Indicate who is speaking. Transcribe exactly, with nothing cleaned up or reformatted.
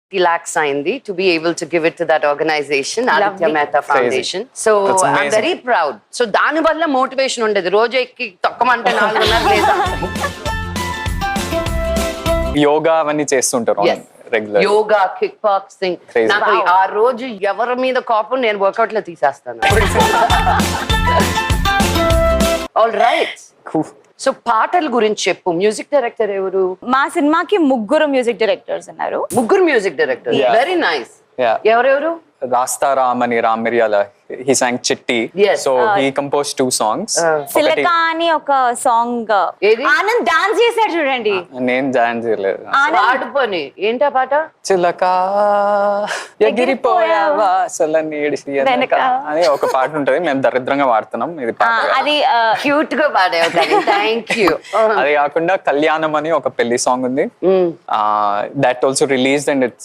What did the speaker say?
Speaker 1: lakhs అయింది to be able to give it to that organization, Aditya Mehta Foundation. So
Speaker 2: That's
Speaker 1: I'm
Speaker 2: amazing.
Speaker 1: very proud. So దాని వల్ల motivation ఉండేది, రోజు ఎక్కి తొక్కమంటే నాలుగున్నర లేదా.
Speaker 2: యోగా అవన్నీ చేస్తుంటారు
Speaker 1: Yes.
Speaker 2: Regular.
Speaker 1: Yoga, kick boxing.
Speaker 2: Crazy.
Speaker 1: నాకు ఆ రోజు ఎవరి మీద కోపం నేను వర్కౌట్ లో తీసేస్తాను. All right. సో పాటల గురించి చెప్పు. మ్యూజిక్ డైరెక్టర్ ఎవరు?
Speaker 3: మా సినిమాకి ముగ్గురు మ్యూజిక్ డైరెక్టర్స్ ఉన్నారు.
Speaker 1: ముగ్గురు music director.
Speaker 2: Yeah.
Speaker 1: Very nice.
Speaker 2: Yeah.
Speaker 1: ఎవరెవరు?
Speaker 2: రాస్తా రామ్ అని రామ్ మిరియాల, he sang చిట్టి.
Speaker 1: Yes.
Speaker 2: So he composed two songs.
Speaker 3: సిలక అని ఒక సాంగ్
Speaker 1: ఏది?
Speaker 3: ఆనంద్ డాన్స్ చేశాడు చూడండి.
Speaker 2: నేను జాయిన్ చేయలేదు.
Speaker 1: పాడుకొని ఏంటా పాట?
Speaker 2: చిలక ఎగిరిపోయావా అసలు నీడిసి వెనక అని ఒక పాట ఉంటది, మేము దరిద్రంగా వాడుతున్నాం ఇది
Speaker 3: ఆ,
Speaker 2: పాట.
Speaker 3: అది
Speaker 1: క్యూట్ గా పాడావు కానీ థ్యాంక్ యూ.
Speaker 2: అది కాకుండా కళ్యాణం అని ఒక పెళ్లి సాంగ్ ఉంది, that also released and it's